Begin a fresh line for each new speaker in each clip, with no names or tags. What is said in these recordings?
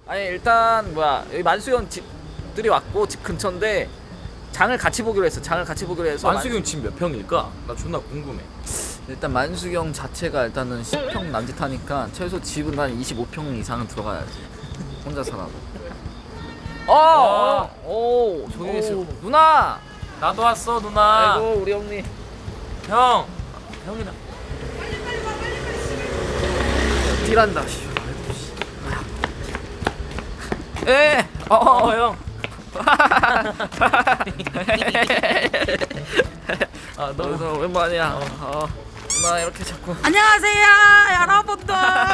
아니 일단 뭐야 여기 만수형 집들이 왔고 집 근처인데 장을 같이 보기로 했어. 장을 같이 보기로 해서
만수경 집 몇 평일까? 나 존나 궁금해.
일단 만수경 자체가 일단은 10평 남짓하니까 최소 집은 한 25평 이상은 들어가야지. 혼자 살아도. 오 조용히 있어. 누나.
나도 왔어 누나.
아이고 우리 형님.
형. 형이랑.
딜한다. 에.
형. 아
너 오랜만이야. 누나 이렇게 자꾸.
안녕하세요 여러분들.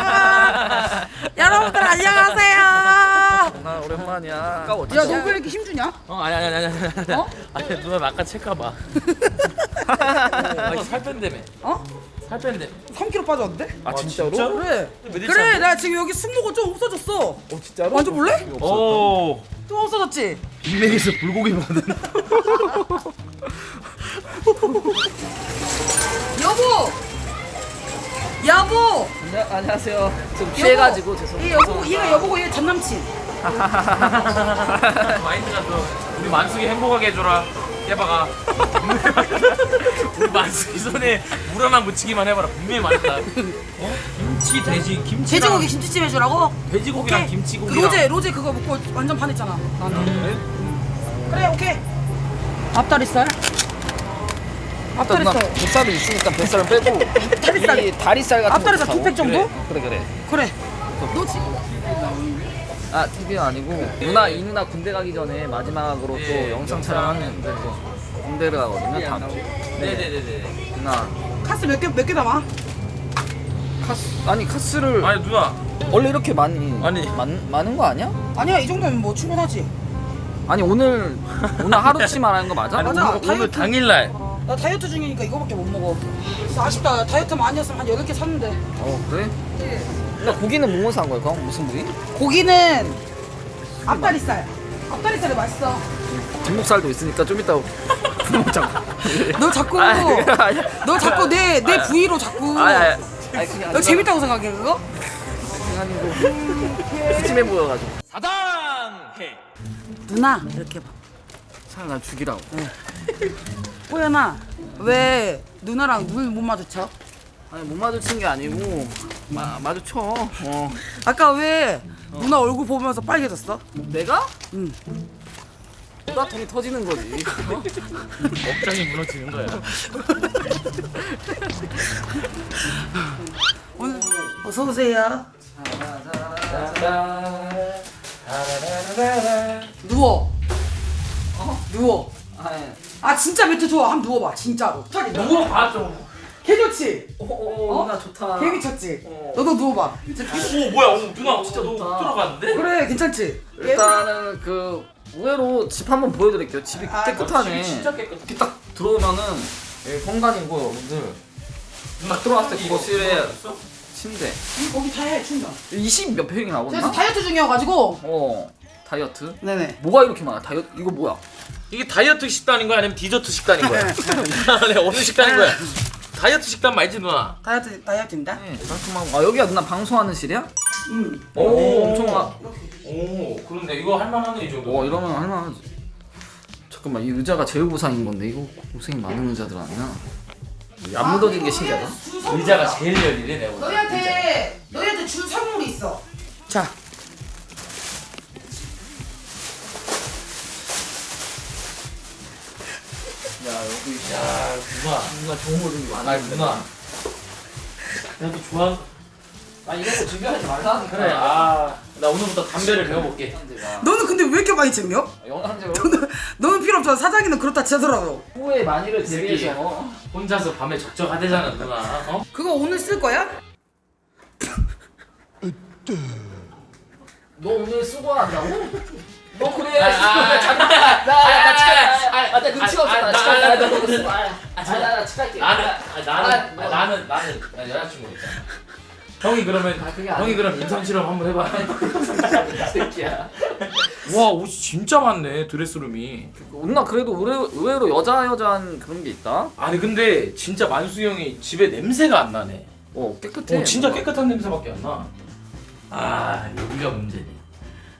여러분들 안녕하세요.
누나 오랜만이야.
야 너 왜 이렇게 힘주냐?
아니.
어?
아니 누나 아까 체크봐. 아, 살 뺀다며.
어?
살 뺀대.
3kg 빠졌는데?
아 진짜로?
진짜?
그래
메디치
그래
안
나 지금 여기 승모가 좀 없어졌어.
어 진짜로?
만져볼래?
오.
좀 없어졌지?
빅맥에서 불고기 먹는.
여보
안녕하세요. 좀 취해가지고 죄송해요.
얘 여보고 얘가 여보고 얘 전남친.
마인드가 또 우리 만숙이 행복하게 해줘라. 깨박아. 우리 만숙이 손에 물 하나 묻히기만 해봐라. 분명히 맛있다. 김치 돼지 김치.
돼지고기 김치찜 해주라고?
돼지고기랑
오케이.
김치고기랑.
로제 그거 먹고 완전 반했잖아 나한테. 그래 오케이. 앞다리살.
누나
앞다리살.
뱃살이 있으니까 뱃살을 빼고
다리살.
이 다리살 같은
앞다리살
거
2팩 정도?
그래.
그래. 너 지금
아 TV가 아니고 누나 이 누나 군대 가기 전에 마지막으로
예,
또 영상 촬영하는데 또 군대를 가거든요. 다음 주.
네네네네.
누나
카스 몇 개 담아?
카스를
아니 누나.
원래 이렇게 많이
아니.
많은 거 아니야?
아니야 이 정도면 뭐 충분하지.
아니 오늘 하루치 말하는 거 맞아?
아니,
맞아.
오늘
다이어트.
당일날.
나 다이어트 중이니까 이거밖에 못 먹어. 아쉽다. 다이어트만 아니었으면 한 8개 샀는데.
그래? 나 고기는 뭐 산 거야? 그럼 무슨 부위?
고기는 앞다리살. 앞다리살이 맛있어.
뒷목살도 있으니까 좀 이따 먹자.
너 자꾸
아니야.
너 자꾸 내 부위로 자꾸.
아니 그게
너 재밌다고 생각해 그거?
아니고 푸짐해 보여가지고.
사당해.
누나 이렇게 봐.
차라리 날 죽이라고.
호연아 왜 누나랑 눈 못 마주쳐?
아니 못 마주친 게 아니고 마주쳐.
아까 왜 누나 얼굴 보면서 빨개졌어?
내가?
응.
나 돈이 터지는 거지.
억장이 무너지는 거야.
오늘 어서 오세요. 누워. 누워. 아 진짜 매트 좋아. 한번 누워봐. 진짜로.
누워 봐 좀.
개 좋지?
누나 좋다.
개 미쳤지? 너도 누워봐.
오 뭐야? 오, 누나 진짜 너
좋다.
들어갔는데?
그래 괜찮지?
일단은 그 의외로 집 한번 보여드릴게요. 집이 깨끗하네.
집이 진짜 깨끗해.
이렇게 딱 들어오면은 여기 공간이고 여러분들 딱 들어왔을 때 거실에 침대
거기 다 해 충전.
20 몇 평이
그래서
나오나?
다이어트 중이어가지고.
다이어트?
네네.
뭐가 이렇게 많아? 다이어트 이거 뭐야?
이게 다이어트 식단인 거야 아니면 디저트 식단인 거야? 네, 어느 식단인 거야? 다이어트 식단 말지 누나?
다이어트입니다.
네, 깔끔하고. 여기가 누나 방송하는 실이야?
응.
오, 엄청
오 그런데 이거 할만하네 이 정도.
이러면 할만하지. 잠깐만 이 의자가 제일 고상인 건데 이거 고생이 많은 의자들 아니야? 안 묻어진 게 신기하다.
의자가 제일 열리네 내가. 보다.
너희한테 줄 선물이 있어. 자.
야 여기
야 누나.
누나 좋은 거 좀 많아.
아 누나. 나도 좋아.
이런 거 준비하지 말라니까.
그래. 아 나 오늘부터 담배를 배워볼게.
너는 근데 왜 이렇게 많이 챙겨?
영상제
너는 필요 없잖아. 사장이는 그렇다 치더라고.
후의 만일을
새끼.
대비해서
혼자서 밤에 적적하대잖아 누나. 어?
그거 오늘 쓸 거야?
너 오늘 쓰고 한다고? 너 그래.
아,
장난이야. 나 치갈게. 나 눈치가 없어. 나 치갈게.
나
너 쓰고. 나 치갈게.
나는 나 여자친구 있잖아. 형이 그러면
그게 아니야.
형이 그럼 인성 실험 한번 해봐.
새끼야.
와 옷이 진짜 많네 드레스룸이.
누나 그래도 의외로 여자한 그런 게 있다.
아니 근데 진짜 만수 형이 집에 냄새가 안 나네.
깨끗해.
진짜 깨끗한 냄새밖에 안 나. 아 여기가 문제네.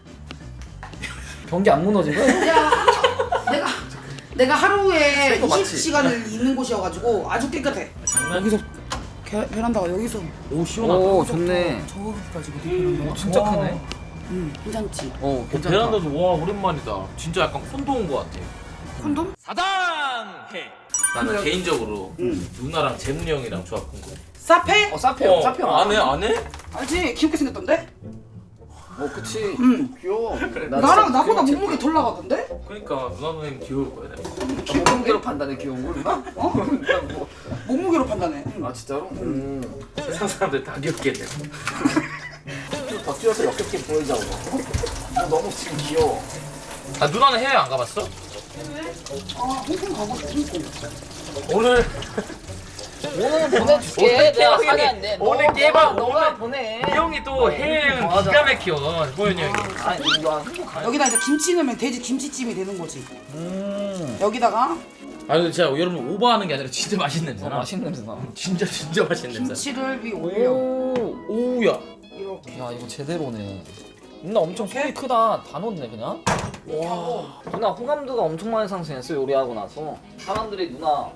경기 안 무너진 거야?
야, 내가 하루에
그거 맞지?
20시간을 있는 곳이어가지고 아주 깨끗해.
장난.
여기서 베란다가 여기서
오 시원하다.
오 좋네.
저기까지 베란다가.
진짜
와.
크네.
응, 괜찮지.
괜찮다.
베란다도 와 오랜만이다. 진짜 약간 콘도 온 것 같아.
콘돔?
사당해. 나는 개인적으로 누나랑 재문이 형이랑 조합 궁금.
사페?
사페요. 사페요.
안 해?
알지? 귀엽게 생겼던데?
그치.
응.
귀여워.
나랑 나보다 몸무게 덜 나가던데?
그러니까 누나 누님 귀여울 거야. 내가.
몸무게로 판단해 귀여운 걸 누나? 뭐.
몸무게로 판단해. 응.
아 진짜로?
세상 사람들 다 귀엽게 돼.
더 뛰어서 역겹게 보이자고. 너무 지금 귀여워.
아 누나는 해외 안 가봤어?
아, 홍콩 가고 싶어.
오늘
오늘 보내줄게. 내가 사는데.
오늘 깨방
너가
오늘
보내.
이 형이 또 해외
맞아.
기가 막혀. 호연이 형이.
아니 이거 한국 가.
여기다 이제 김치 넣으면 돼지 김치찜이 되는 거지. 여기다가
아 근데 진짜 여러분 오버하는 게 아니라 진짜 맛있는 냄새나.
맛있는 냄새 나.
진짜 맛있는 냄새.
김치를 위 올려.
오우야.
이렇게.
야 이거 제대로네. 누나 엄청 손이 크다. 다 넣었네 그냥.
와.
누나 호감도가 엄청 많이 상승했어 요리하고 나서. 사람들이 누나.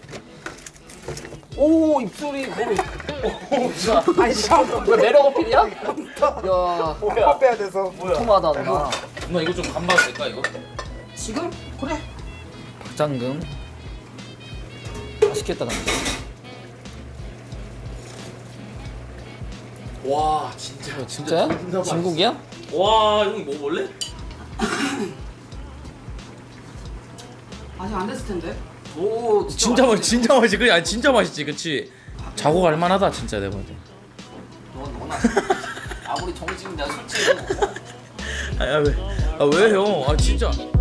오 입술이 거의. 누나.
아니 참.
왜 매력 어필이야? 야
밥 빼야 돼서.
통하다 누나.
누나 이거 좀 간봐도 될까 이거?
지금? 그래.
박장금. 맛있겠다 나.
와 진짜.
진짜야?
존나 맛있어.
진국이야?
와 형이 먹어볼래?
아직 안 됐을 텐데.
오
진짜 맛있지. 그래 아니 진짜 맛있지 그치? 자고 갈만하다 진짜 내가 볼 때.
너나 아무리 정식이면 내가 솔직히
아 왜? 아 왜 형? 아 진짜.